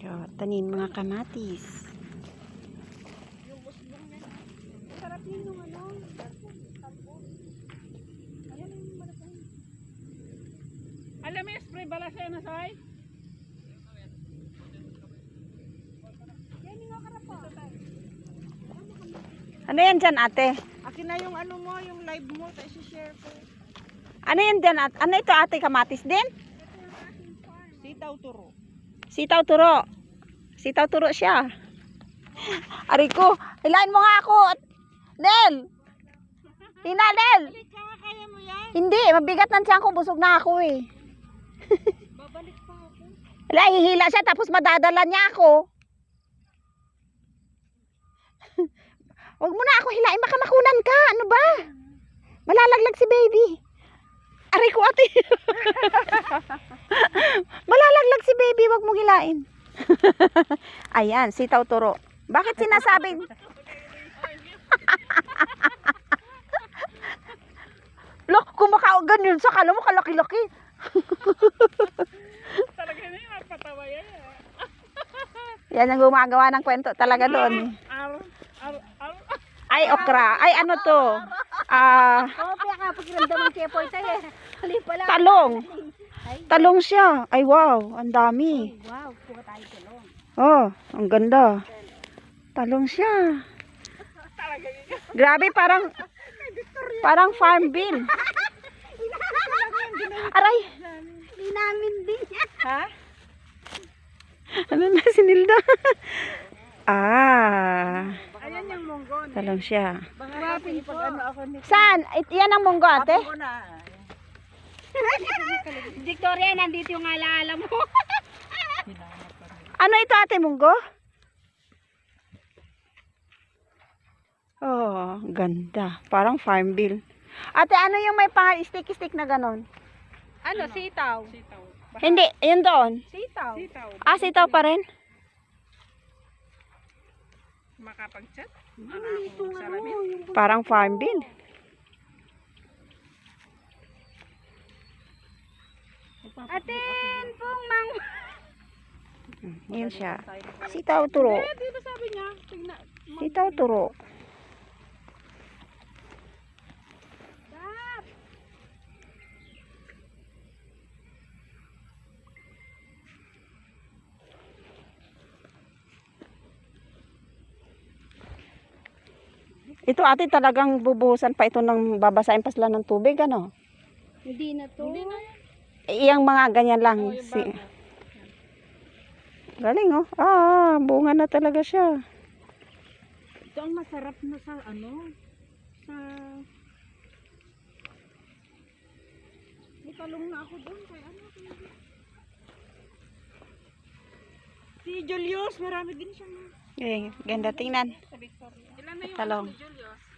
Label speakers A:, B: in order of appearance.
A: So, tanin mga kamatis.
B: Yung musbong na. Sarap yun yung ano. Tampo. Ayan yung malaki. Alam mo yung spray bala sa'yo na sa'y? Yan yung karapa.
A: Ano yan dyan, ate?
B: Akin na yung ano mo, yung live mo. Tayo share ko.
A: Ano yan dyan, ate? Ano ito, ate? Kamatis din?
B: Sitaw turo.
A: Sitaw turo. Sitaw turo siya. Ari ko, hilain mo nga ako. Del! Tina, Del!
B: Kaya mo yan?
A: Hindi, mabigat ng tiyan ko. Busog na ako eh.
B: Babalik pa ako.
A: Wala, hihila siya tapos madadala niya ako. Huwag mo na ako hilain, baka makunan ka. Ano ba? Malalaglag si baby. Aray ko, ate. Malalaglag si baby, huwag mong hilain. Ayan, sitaw turo. Bakit sinasabing? Look, kumakaon ganyan sa kala mo kalaki-laki.
B: Talaga na yung napatawa yan.
A: Yan ang gumagawa ng kwento talaga doon. Ay, okra. Ay, ano to?
B: Kopya ka, pakiramdaman siya po ito eh.
A: Talong. Talong siya. Ay, wow. Ang dami.
B: Wow, kuha tayo talong.
A: Oh, ang ganda. Talong siya. Grabe, parang farm bill. Aray.
B: Hindi namin din.
A: Ha? Ano na si Nilda?
B: Ayan yung munggo.
A: Talong siya.
B: Bangapin po.
A: Saan? Yan ang munggo, ate?
B: Victoria, nandito yung alaala mo.
A: Ano ito, ate, munggo? Oh, ganda. Parang farm bill. Ate, ano yung may stick-stick na ganon?
B: Ano, sitaw? Sitaw.
A: Hindi, yun doon.
B: Sitaw. Sitaw.
A: Sitaw pa rin?
B: Makapag-chat?
A: Parang farm bill.
B: Atin pong mang...
A: Yun siya. Sitaw turo.
B: Di ba sabi niya? Tignan.
A: Sitaw turo.
B: Dap!
A: Ito, ate, talagang bubuhusan pa ito ng babasahin pa sila ng tubig, ano?
B: Hindi na to. Hindi na yan.
A: Iyang mga ganyan lang.
B: Oh, yung bago.
A: Galing, oh. Bunga na talaga siya.
B: Ito ang masarap na sa ano? Sa... May talong na ako doon. Kaya ano? Si Julius, marami din siya na.
A: Ganda tingnan.
B: Sa Victoria. Ilan na yung
A: Talong.
B: Julius?